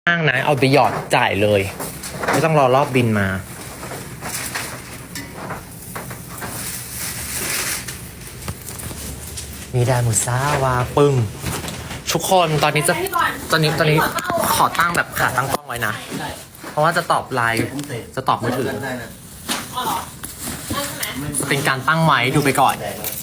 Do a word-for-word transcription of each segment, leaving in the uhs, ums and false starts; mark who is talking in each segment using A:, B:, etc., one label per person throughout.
A: ห้างนะเอาไปหยอดจ่ายเลยไม่ต้องรอรอบบินมามีดามุซ่าวาปึ้งทุกคนตอนนี้จะตอนนี้ตอนนี้ขอตั้งแบบขาตั้งกล้องไว้นะเพราะว่าจะตอบไลน์จะตอบมือถือเป็นการตั้งไว้ดูไปก่อน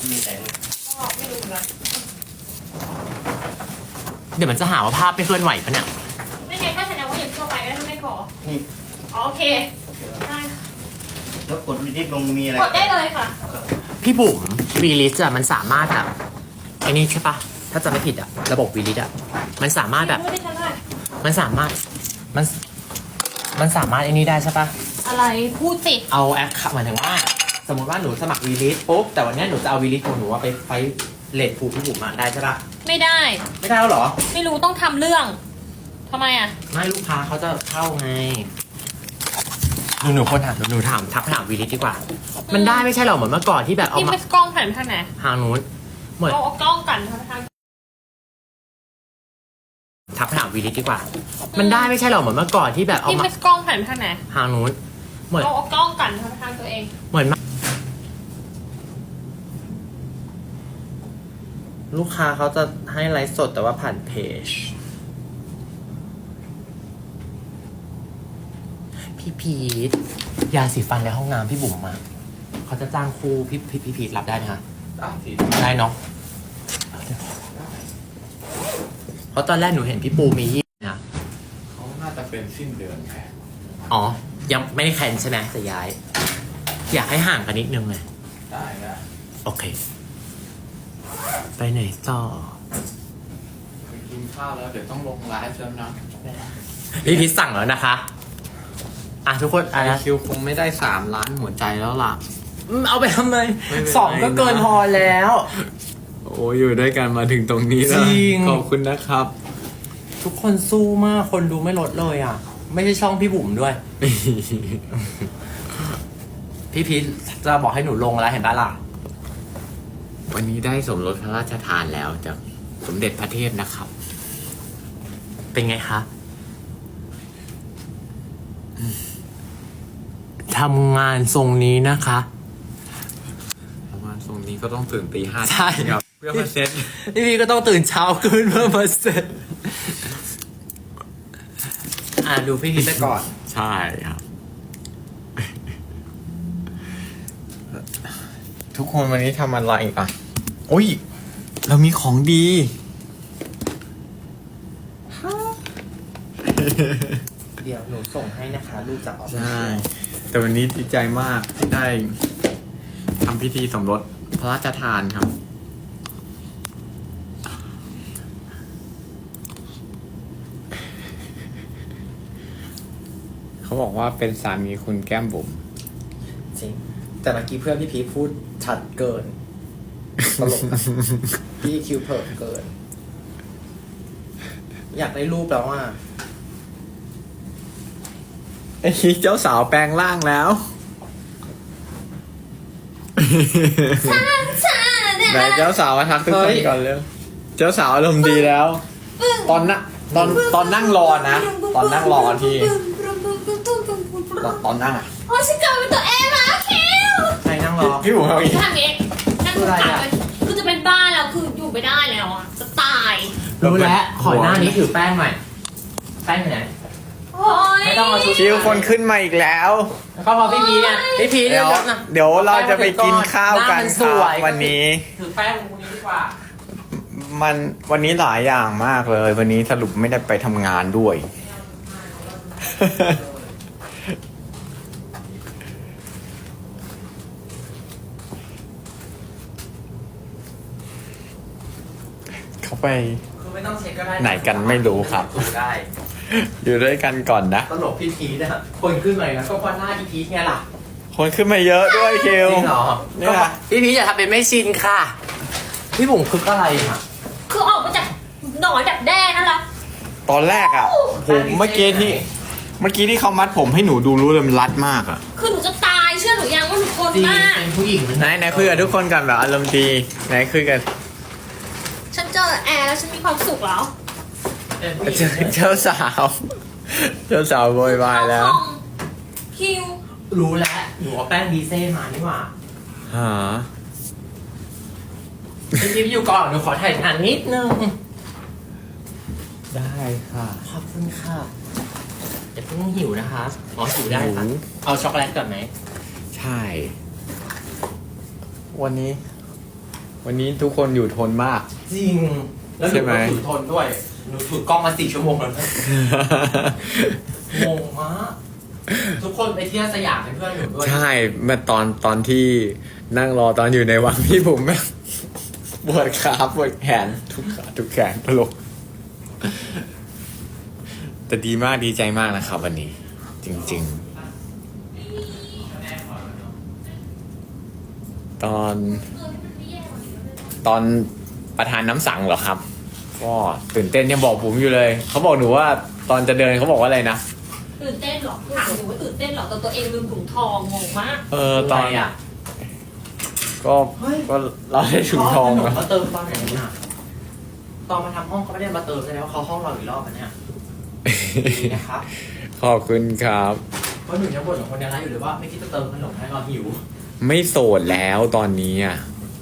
A: เดี๋ยวมันจะหาว่าภาพไม่เคลื่อนไหวปะเนี่ย
B: ไม่ไงถ้าแสดงว่าอย่างทั่วไปก็ไม่ขออ๋อโอเคได้
C: แล้วกดวิดีโอลงมีอะไร
B: กดได้เลยค่ะ
A: พี่บุ๋มวีลิสอะมันสามารถแบบไอ้นี่ใช่ปะถ้าจะไม่ผิดอะระบบวีลิสอะมันสามารถแบบมันสามารถมันมันสามารถไอ้นี่ได้ใช่ปะ
B: อะไรพูดสิ
A: เอาแอคหมายถึงว่าสมมติว่าหนูสมัครวีลิสปุ๊บแต่วันนี้หนูจะเอาวีลิสของหนูว่าไปไปเลทผูพี่บุ๋มมาได้ใช่ปะ
B: ไม่ได้
A: ไม่ได้แล้วเหรอ
B: ไม่รู้ต้องทำเรื่องทำไมอะ
A: ไม่ลูกค้าเขาจะเข้าไงหนูหนูคนถามหนูถามทักถามวีลิสดีกว่ามันได้ไม่ใช่หรอเหมือนเมื่อก่อนที่แบบเอา
B: มา
A: ที่
B: กล้องผ่านทางไหน
A: ทางนู้นเหมือน
B: เอากล้องกันทาง
A: ทักถามวีลิสดีกว่ามันได้ไม่ใช่หรอเหมือนเมื่อก่อนที่แบบเอา
B: มากล้องผ่านทางไหน
A: ทางนู้น
B: เหมือนเอากล้องกันทางตัวเอง
A: เหมือนลูกค้าเขาจะให้ไลฟ์สดแต่ว่าผ่านเพจพี่พีทยาสีฟันในห้องน้ำพี่บุ๋มมาเขาจะจ้างครูพี่พี่พี่พีทรับได้ไหมคะได้สิได้เนาะเพราะตอนแรกหนูเห็นพี่ปูมียี่นะ
C: เขาน่าจะเป็นสิ้นเดือนแค่
A: อ๋อยังไม่ได้แคนใช่ไหมจะย้ายอยากให้ห่างกันนิดนึงเลย
C: ได้ได้
A: โอเคไปไหนต่อ
C: ไปกินข้าวแล้วเดี๋ยวต้องลงไลฟ์แล้วนะ
A: พี่พีทสั่งแล้วนะคะอ่ะทุกคนอ่ะ
C: คิวคงไม่ได้สามล้านหัวใจแล้วล่ะ
A: เอาไปทำไมสองก็เกินพอแล้ว
C: โอ้อยู่ด้วยกันมาถึงตรงนี้แล้วขอบคุณนะครับ
A: ทุกคนสู้มากคนดูไม่ลดเลยอ่ะไม่ใช่ช่องพี่บุ๋มด้วย พี่พีทจะบอกให้หนูลงแล้วเห็นปะล่ะ
C: วันนี้ได้สมรสพระราชทานแล้วจากสมเด็จพระเทพนะครับ
A: เป็นไงคะทำงานทรงนี้นะคะ
C: ทำงานทรงนี้ก็ต้องตื่นตีห้า
A: ใช่
C: ครับเพื่อมาเซ็ต
A: พี่พีก็ต้องตื่นเช้าขึ้นเพื่อมาเซ็ตอ่ะดูพี่พีไปก่อน
C: ใช่ครับทุกคนวันนี้ทำอะไรอ่ะโอ้ยเรามีของดี
A: เดี๋ยวหนูส่งให้นะคะลูกจากออฟฟิศ
C: ใช่แต่วันนี้ดีใจมากที่ได้ทำพิธีสมรสพระราชทานครับเขาบอกว่าเป็นสามีคุณแก้มบุ๋ม
A: จริงแต่เมื่อกี้เพื่อนพี่พีพูดชัดเกินตลกนะพี่คิวเผิ่เกินอยากได้รูปแล้วว่า
C: ไอ้เจ้าสาวแปลงร่างแล้วไหนเจ้าสาวมาทักทุกคนก่อนเร็วเจ้าสาวอารมณ์ดีแล้วตอนนะตอนตอนนั่งรอนะตอนนั่งรอที่ตอนนั่งอ่ะ
B: โอ้ฉันกลับเป็นตัวเองมาคิว
A: ใครนั่งรอ
C: พี่บุ๋มเขาอีก
B: ทำเองนั่งกลับเลยคือจะเป็นบ้าแล้วคืออยู่ไม่ได้แล้วอ่ะจะตาย
A: รู้แล้วขอหน้านี้ถือแป้งหน่อยแป้งไหน
B: ไม่
A: ต้องเอาชุด
C: คิวคนขึ้นมาอีกแล้ว
A: เข้ามาพี่พีเนี่ยพี่พีเดี๋ยว
C: เดี๋ยวเราจะไปกินข้าวกันครับวันนี้
A: ถือแป้งตรงนี้ดีกว่า
C: มันวันนี้หลายอย่างมากเลยวันนี้สรุปไม่ได้ไปทำงานด้วยเขาไปไหนกันไม่รู้ครับอยู่ด้วยกันก่อนนะ
A: ตลกพี่พีนะคนขึ้นมาแล้วก็เพราะหน้าพี่พีไงล่ะ
C: คนขึ้นมาเยอะด้วยคิว
A: จริงเหรอเนี่ยพี่พีอย่าทำเป็นไม่ชินค่ะพี่บุ๋มคืออะไรค่ะ
B: คือออกมาจากหนอนดักแด้นั่นแหละ
C: ตอนแรกอ่ะผมเมื่อกี้ที่เมื่อกี้ที่เขามัดผมให้หนูดูรู้เลยมันรัดมากอ่ะ
B: คือหนูจะตายเชื่อหนูยังว่าหนูทนมาก
A: เป็นผู้หญิง
C: ไหนไหนคุยกับทุกคนกันแบบอารมณ์ดีไหนคุยกัน
B: ฉันเจอแอร์แล้วฉันมีความสุขแล้ว
C: เจอเจ้าสาวเจ้าสาวโวยวายแล้ว
B: คิว
A: รู้แล้วหนูเอาแป้งดีเซ่มานี่หว่า
C: หา
A: พี่พี่อยู่ก่อนหนูขอถ่ายงานนิดนึง
C: ได้ค่ะ
A: ขอบคุณค่ะอย่าเพิ่งหิวนะคะอ๋อหิวได้ค่ะ
C: หิว
A: เอาช็อกโกแลตก่อนไหม
C: ใช่ วันนี้ วันนี้ทุกคนอยู่ทนมาก
A: จริง แล้วห
C: ใช่
A: นู
C: ไหม
A: ก็ถือทนด้วยหนูถือกล้องมาสี่ชั่วโมงแล้วนะงงมากทุกคนไปเที่ยวสยามเป็นเพื่อนหนูด้วย
C: ใช่เมื่อตอนตอนที่นั่งรอตอนอยู่ในวังพี่ผมแม่งปวดขาปวดแขนทุกขาทุกแขนตลก แต่ดีมากดีใจมากนะครับวันนี้ จริง ๆ ตอน ตอนประธานน้ำสั่งเหรอครับ ก็ตื่นเต้นยังบอกผมอยู่เลย เขาบอกหนูว่าตอนจะเดินเขาบอกว่าอะไรนะ
B: ตื่นเต้นเหรอถามหนูว่าตื่นเต้นเหรอแต่ตัวเองลืมถุงทองงงมาก
C: เออตอน
A: อะไรอ่ะ
C: ก็ก็เราได้ถุงทอง
A: ข
C: แล้ว
A: เขาเติมตอนไหนน่ะตอนมาทำห้องเขาไม่ได้มาเติมแสดงว่าเขาห้องเราอีกรอบอันเนี้ยดีนะครับ
C: ขอบคุณครับ
A: เพราะหนูยังบ่นกับคนในร้านอยู่เลยว่าไม่คิดจะเติมขนมให้เราหิว
C: ไม่โสดแล้วตอนนี้อ่ะ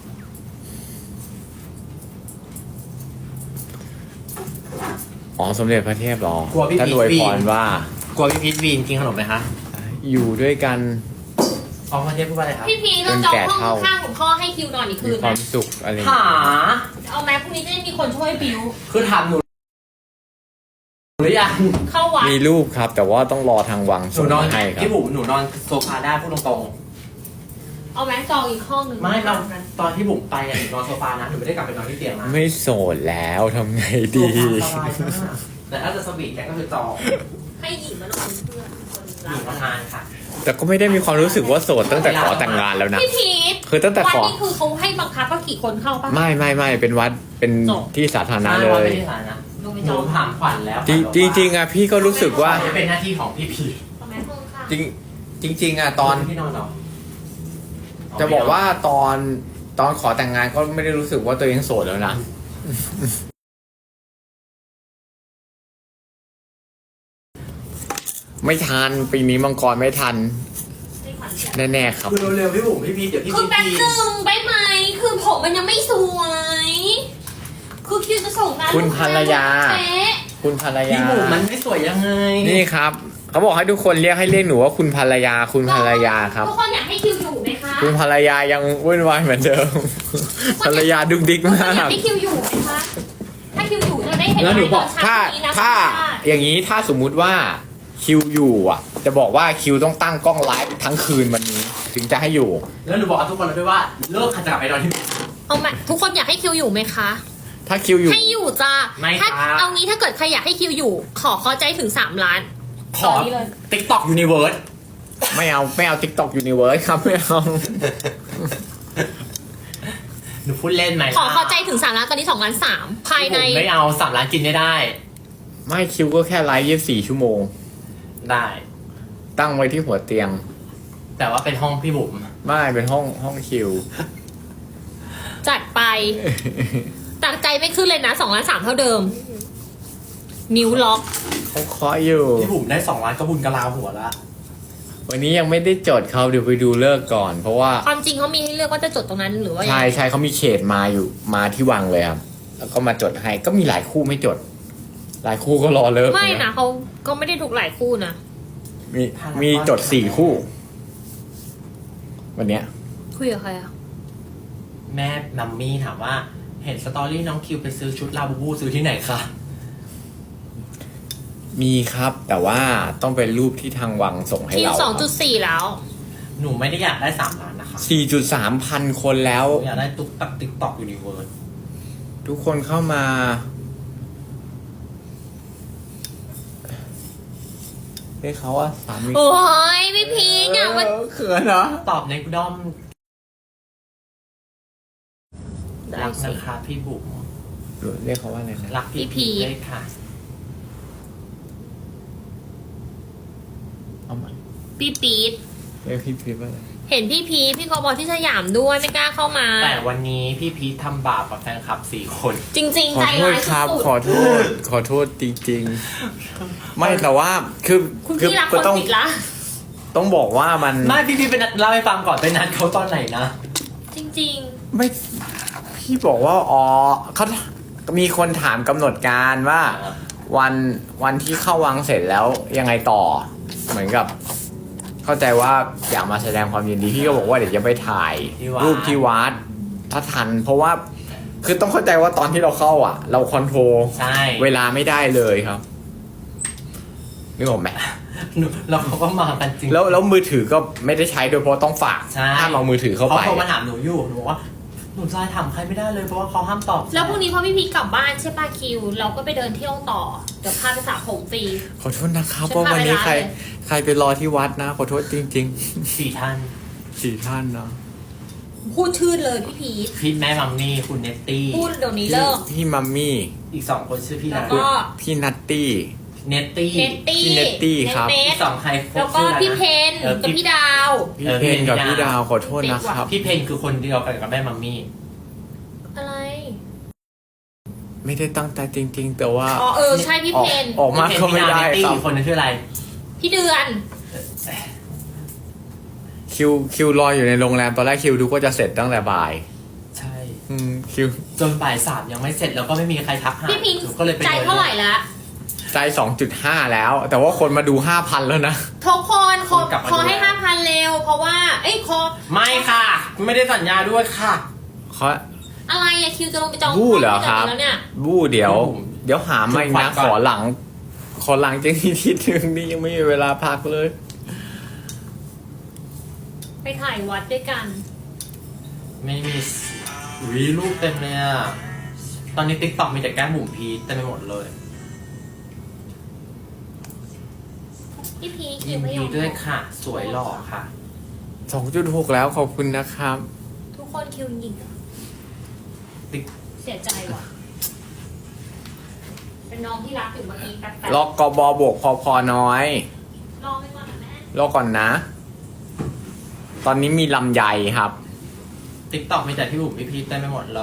C: อ๋อสมเด็จพระเทพเหรอก
A: ลัวพี่
C: ท่าน
A: พี
C: อวย
A: วี
C: พรว่า
A: กลัวพี่พีทวีนกินขนมไหมคะ
C: อยู่ด้วยกัน
A: ออกมาเทพพูดว่าอะไรครับ
B: พี่พีเราจองห้องข้างของพ่อให้คิวนอนอีกคื
C: มี
B: น
C: ควา
B: นะ
C: มสุขอะไร
A: หา
B: เอาไหมพรุ่งนี้จะได้มีคนช่วยบิว
A: คือถามหนูหรือยัง
B: เข้าวัด
C: มีรูปครับ แต่ว่าต้องรอทางวัง
A: หนู
C: ส่ง
A: นอน
C: มาให้ครับ
A: พี่บุ๋มหนูนอนโซฟาได้พูดตรง
B: เอาไหมจองอีกห้องหนึ่ง
A: ๆไม่เราตอนที่บุ๋มไปอะหนูนอนโซฟานะหนูไม่ได้กลับไปนอนที่เตียงนะ
C: ไม่โสดแล้วทำไง
A: โซ
C: ดี
A: ฟาสบายมากแต่ถ้าจะสวีทแกก็คือจอง
B: ให้หญิงมานอนเป็นเพื่อนคน
A: ห
B: รั
A: ญิ
B: ก
A: งทำงานค่ะ
C: แต่ก็ไม่ได้มีความรู้สึกว่าโสดตั้งแต่ขอแต่งงานแล้วนะ
B: พี่พีท
C: คือตั้งแต่
B: วัด
C: ขอ
B: นี่คือเขาให้บังคับว่ากี่คนเข้าปะ
C: ไม่ไม่ไม่เป็นวัดเป็น
B: จบ
C: ที่สาธารณะ
A: ใช่
C: เล
A: วัน
C: ย
A: ไม่ได้สายนะ
B: ลงไป
A: ห
B: จ
A: นู
B: อง
A: ถามขวัญแล้ว
C: จริงจริงๆอะพี่ก็รู้สึกว่า
A: จะเป็นหน้าที่ของพี่พี
B: เอาไหมห้องข้าง
C: จริงจริง ๆอะตอน
A: ที่นอนเหรอ
C: จะบอกว่าตอนตอนขอแต่งงานก็ไม่ได้รู้สึกว่าตัวเองโสดแล้วนะ ไม่ทันปีนี้มังกรไม่ทัน
B: ให้ขวัญเสีย
C: แน่ๆครับ
A: คือเร็วๆพี่บุ๋มพี่พีเดี๋ยวพี่
B: คื
A: พี
B: อแป๊บ
A: พี
B: หนึ่งไปไหม คือผมมันยังไม่สวย คือคิวจะส่งงาน
C: คุณภรรยา
B: เป๊ะ
C: คุณภรร
A: พี่
C: ยา
A: บุ๋มมันไม่สวยยังไง
C: นี่ครับ เขาบอกให้ทุกคนเรียกให้เรียกหนูว่าคุณภรรยา คุณภรรยาครับ
B: ทุกคนอยากให้คิวอยู่ไหมคะ
C: คุณภรรยายังวุ่นวายเหมือนเดิม ภรรยาดุกดิก
B: ทุกคน
C: มา
B: อยาก
C: ก
B: ให้คิวอยู่ไหมคะ ถ้าคิวอยู่จะได้เห็น
C: แล้วหนูบอก
B: ตนเช้
C: ถ้า
B: นี้นะ
C: ถ้า
B: ว่า
C: อย่างนี้ถ้าสมมุติว่าคิวอยู่อ่ะ จะบอกว่าคิวต้องตั้งกล้องไลฟ์ทั้งคืนวันนี้ ถึงจะให้อยู่
A: แล้วหนูบอกกับทุกคนเลยด้วยว่าเลิกขัดจักรไปนอนที่บ้าน
B: เอาไหมทุกคนอยากให้คิวอยู่ไหมคะ
C: ถ้าคิวอยู่
B: ให้อยู่จ้า
A: ไม่
B: ถ้า
A: ครับ
B: เอางี้ถ้าเกิดใครอยากให้คิวอยู่ ขอเข้าใจถึงสามล้าน
A: ขอ
B: ตอนนี้เลย
A: ติ๊กต็อกยูนิเวิร์ส
C: ไม่เอาไม่เอา TikTok Universe ครับไม่เอา
A: หนูพูดเล่นไหม
B: ขอเข้าใจถึงสามล้านตอนนี้สองล้านสามภายใน
A: ผมไม่เอาสามล้านกินไม่ได้
C: ไม่คิวก็แค่ไลฟ์ยี่สิบสี่ชั่วโมง
A: ได้
C: ตั้งไว้ที่หัวเตียง
A: แต่ว่าเป็นห้องพี่บุ๋ม
C: ไม่เป็นห้องห้องคิว
B: จัดไปตักใจไม่ขึ้นเลยนะสองล้านสามเท่าเดิม นิ้วล็อก
C: เขาเคาะอยู่
A: พี่บุ๋มได้สองล้านก็บุญกะลาหัวละ
C: วันนี้ยังไม่ได้จดเขาเดี๋ยวไปดูเลิกษ์ก่อน เพราะว่า
B: ความจริงเขามีให้เลือกว่าจะจดตรงนั้นหรือว่ายัง
C: ใช่
B: ไง
C: ใช่เขามีเขตมาอยู่มาที่วังเลยครับ แล้วก็มาจดให้ก็มีหลายคู่ไม่จด หลายคู่ก็รอเลิก
B: ไม่นะเขาก็ไม่ได้ถูกหลายคู่นะ
C: มีมีจดสี่คู่ วันเนี้ย
B: คุยกับใครอะ
A: แม่นัมมี่ถามว่า เห็นสตอรี่น้องคิวไปซื้อชุดลาบูบูซื้อที่ไหนคะ
C: มีครับ แต่ว่าต้องเป็นรูปที่ทางวังส่งให้
B: คิว
C: เรา
B: สองจุดสี่แล้ว
A: หนูไม่ได้อยากได้สามล้านนะคะ
C: สี่จุดสามพันคนแล้ว
A: หนูอยากได้ตุ๊กตักติ๊กต็อกยูนิเวิร์ส
C: ทุกคนเข้ามาเรียกเขาว่าสามี
B: โอ้ยพี่พีคอะมัน
C: เออเขินเหรอ
A: ตอบในด้อม
B: ได้
A: รัก
B: สิ
A: นะคะพี่บุ๋ม
C: เรียกเขาว่าอะไรนะ
A: รักพี่
B: พี่
A: พี
B: พี
A: เลยค่ะ
C: เอาใหม่
B: ปี๊ดปี๊ด
C: เรียกพี่พีทว่าอะไร
B: เห็นพี่พีชพี่กบอที่สยามด้วยไม่กล้าเข้ามา
A: แต่วันนี้พี่พีททำบาปกับแฟนคลับสี่คน
B: จริง
C: ข
B: ๆ ใจ
C: อโทษ
B: ร้าย
C: ครับ
B: สุด
C: ขอโทษ ขอโทษจริงๆ ไม่แต่ว่าคือ
B: ๆคุณ
C: คือ
B: พี่รักค
C: ก็
B: น
C: ต้อง
B: ผิดละ
C: ต้องบอกว่ามัน
A: ไม่พี่พีทเป็นนัดเล่าให้ฟังก่อนไปนัดเขาตอนไหนนะ
B: จริง
C: ไม่พี่บอกว่าอ๋อเขามีคนถามกำหนดการว่า วันวันที่เข้าวังเสร็จแล้วยังไงต่อ เหมือนกับ เข้าใจว่าอยากมาแสดงความยินดีพี่ก็บอกว่าเดี๋ยวจะไปถ่าย
A: ที่วัด
C: รูปที่วัดถ้าทัน เพราะว่าคือต้องเข้าใจว่าตอนที่เราเข้าอ่ะ เราคอนโทรล
A: ใช่
C: เวลาไม่ได้เลยครับนึกออกไหม
A: หนูแล้วเขาก็มากันจริง
C: แล้วแล้วมือถือก็ไม่ได้ใช้โดยเพราะต้องฝาก
A: ใช่
C: ห้ามเอามือถือเข้า
A: เขา
C: ไป
A: โทรมาถามหนูอยู่หนูบอกว่าหนูจะถามใครไม่ได้เลยเพราะว่าเขาห้ามตอบ
B: ๆ แล้วพรุ่งนี้พอพี่พีชกลับบ้านใช่ป่ะคิว เราก็ไปเดินเที่ยวต่อ เดี๋ยวพาไปสระผมฟรี
C: ขอโทษนะครับ
B: ฉัน
C: เพราะวันนี้
B: พาไป
C: ใคร
B: ร้านเลย
C: ใครไปรอที่วัดนะ ขอโทษจริง
A: สี่ท่าน
C: ๆสี่ท่านเนาะ
B: พูดชื่อเลยพี่พีช
A: พี่แม่มัมมี่คุณเนตตี้
B: พูดเดี๋ยวนี้
C: พี่
B: เลิก
C: พี่มัมมี่
A: อีกสองคนชื่อพี่
B: แล้
A: นะ
B: วก็
C: พี่นัตตี้
A: เนตตี้
B: เนตตี้
C: พี่เนตตี้ครับ
B: เน
A: อี
B: ต
A: กสองใคร
B: แล้วก็
A: ชื่ออะไรนะ
B: พี่เพน
A: เออ
B: กับพี่ดาว
C: พี่
A: เออ
C: เพนกับ
A: พี่
C: พี่
A: ดา
C: ดาว วขอโทษนะครับ
A: พี่เพนคือคนเดียวกันกับแม่มัมมี่
B: อะไร
C: ไม่ได้ตั้งใจจริง ๆ แต่ว่า
B: อ๋อเออใช่พี่
C: ออ
B: เพ
C: ก
B: น
C: ออกมาก็ไม่ได้
A: เนตตี้
C: ครับ
A: อีกคนนึงชื่ออะไร
B: พี่เดือน
C: คิวคิวรออยู่ในโรงแรมตอนแรกคิวดูก็จะเสร็จตั้งแต่บ่าย
A: ใช่
C: อืมคิว
A: จนบ่ายสามยังไม่เสร็จแล้วก็ไม่มีใครทักหา
B: พี่พิง
A: หนูก็เลยไป
B: ใจเท่าไหร่ละ
C: ใจ สองจุดห้า แล้ว แต่ว่าคนมาดู ห้าพัน แล้วนะ
B: ทุกคนขอขอให้ห้าพันเร็ว เพราะว่า เอ้ยขอ
A: ไม่ค่ะ ไม่ได้สัญญาด้วยค่ะ
C: เขา
B: อะไรอะคิวจะลงไปจอง
C: บู้เหรอครับ
B: แล้วเนี่ย
C: บู้เดี๋ยว
A: บู้
C: เดี๋ยวหามาอีก
A: จุด
C: นะ
A: ขวัญก่อน
C: ขอหลัง ขอหลังจากที่ทีนึงนี่ยังไม่มีเวลาพักเลย
B: ไปถ่ายวัดด้วยกัน
A: ไม่มีวิรูปเต็มเลยอ่ะ ตอนนี้ติ๊กต็อกมีแต่แก้มบุ๋มพีทเต็มไปหมดเลย
B: พี่พีคิ
A: ยิ
B: วนไม่ย
A: ดี
B: อม
A: ด้วยค่ะ สวยหล่อค่ะ
C: สองจุดหก แล้วขอบคุณนะครับ
B: ทุกคนคิวยิงอะ
A: ติ๊ก
B: เสียใจว่ะ เป็นน้องที่รักอยู่เมื่อกี้แป๊บ
C: ล็อกกบอบวกพอพอน้อย
B: ๆรอไปก่อนนะแม่
C: รอก่อนนะ ตอนนี้มีลำไยครับ
A: ติ๊กต็อกมีแต่พี่บุ๋มพี่พีทเต็มไปหมดเลย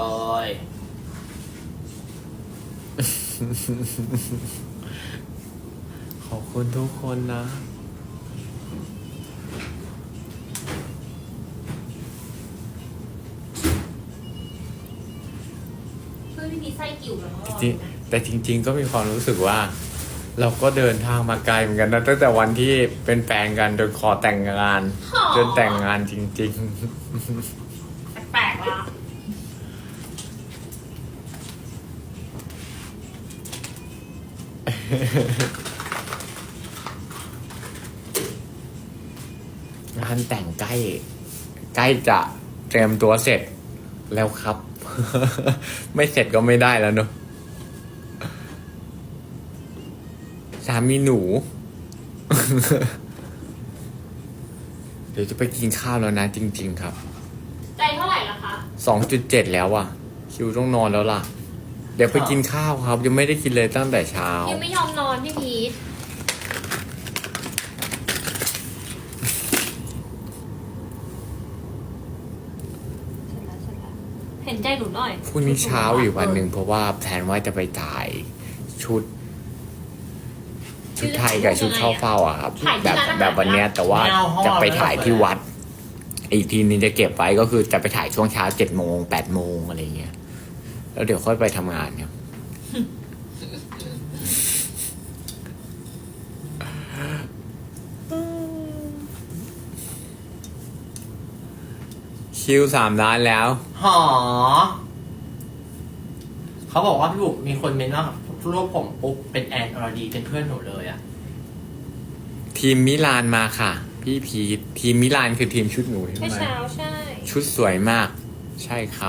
C: ขอบคุณทุกคนนะ
B: เพื่อนพี่พีไส้กิ่วแล้ว
C: จริงแต่จริง ๆ ก็มีความรู้สึกว่า เราก็เดินทางมาไกลเหมือนกันนะตั้งแต่วันที่เป็นแฟนกันจนขอแต่งงานจนแต่งงานจริง
B: แปลกๆว่ะ
C: ๆ งานแต่งใกล้ ใกล้จะเตรียมตัวเสร็จแล้วครับ ไม่เสร็จก็ไม่ได้แล้วเนอะสามีหนู เดี๋ยวจะไปกินข้าวแล้วนะจริง ๆ ครับ
B: ใจเท่าไหร่ละคะ
C: สองจุดเจ็ดแล้วอ่ะ คิวต้องนอนแล้วล่ะ เดี๋ยวไปกินข้าวครับ ยังไม่ได้กินเลยตั้งแต่เช้า
B: ยังไม่ยอมนอนพี่พีทเห็นใจหนูหน่อย
C: พรุ่งนี้เช้าอีกวันหนึ่งเพราะว่าแผนว่าจะไปถ่ายชุด ชุดไทยกับชุดเข้าเฝ้าอ่ะครับ แบบแบบวันเนี้ยแต่ว่าจะไปถ่ายที่วัด อีกทีนึงจะเก็บไว้ก็คือจะไปถ่ายช่วงเช้าเจ็ดโมงแปดโมงอะไรเงี้ย แล้วเดี๋ยวค่อยไปทำงานครับ คิวสามล้านแล้ว
A: หอ เขาบอกว่าพี่บุ๋มมีคนเมนว่ารูปผมปุ๊บเป็นแอนอรดีเป็นเพื่อนหนูเลยอ่ะ
C: ทีมมิลานมาค่ะ พี่พีททีมมิลานคือทีมชุดหนูใช่
B: เมื่อ
C: ไหม
B: เช้าใช่
C: ชุดสวยมาก ใช่ครับ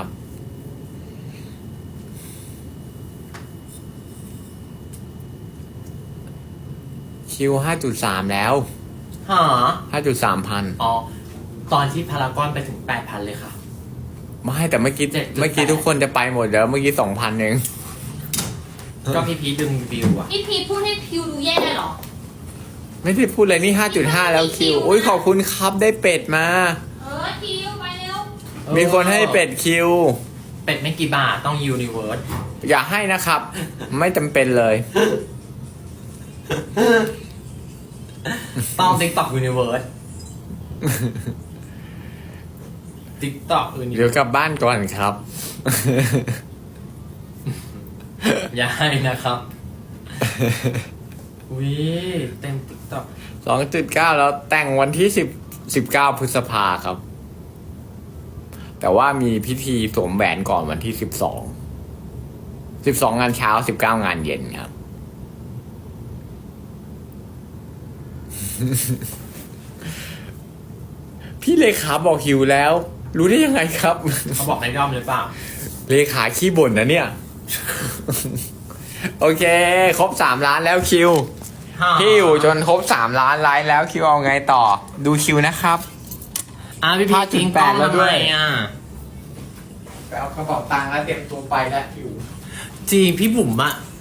C: คิวห้าจุดสามแล้ว
A: หอ
C: ห้าจุดสามพัน
A: อ๋อ ตอนที่พารากอนไปถึงแปดพันเลยค่ะ
C: ไม่แต่เมื่อกี้
A: เจ็ดจุดแปด
C: เมื่อกี้ทุกคนจะไปหมดแล้วเมื่อกี้สองพันเอง
A: ก็พี่พีทดึงวิวอ่ะ
B: พี่พีทพูดให้คิวดูแย่เหรอ
C: ไม่ได้พูดเลยนี่ ห้าจุดห้า แล้วคิว อุ้ยขอบคุณครับได้เป็ดมา
B: เออคิวไปเร็ว
C: มีคนให้เป็ดคิว
A: เป็ดไม่กี่บาทต้องยูนิเวิร์ส
C: อย่าให้นะครับ ไม่จำเป็นเลย
A: ต้องติ๊กต็อกยูนิเวิร์สติ๊กต็อกยูนิ
C: เดี๋
A: เวิ
C: ยว
A: ร์ส
C: กลับบ้านก่อนครับ
A: อย่าให้นะครับวิเต็มติ๊กต็อก
C: สองจุดเก้า แล้วแต่งวันที่สิบ สิบเก้าพฤษภาครับ แต่ว่ามีพิธีสวมแหวนก่อนวันที่สิบสอง สิบสองงานเช้า สิบเก้างานเย็นครับ พี่เลขาบอกหิวแล้ว รู้ได้ยังไงครับ
A: เขาบอกให้ย่อมหรือเปล่า
C: เลขาขี้บ่นนะเนี่ย โอเค ครบสามล้านแล้วคิว พี่อยู่จนครบสามล้านไลค์แล้วคิวเอาไงต่อ ดูคิวนะครับ
A: อ่ะพี่พีทิ้งกล้อง
C: ห้าจุดแปดแล้วด้วย
A: ทำไมอ่ะ
C: ไปเอากระเป๋าตังค์แล้วเตรียมตัวไปแล้วคิว
A: จริงพี่บุ๋มอะ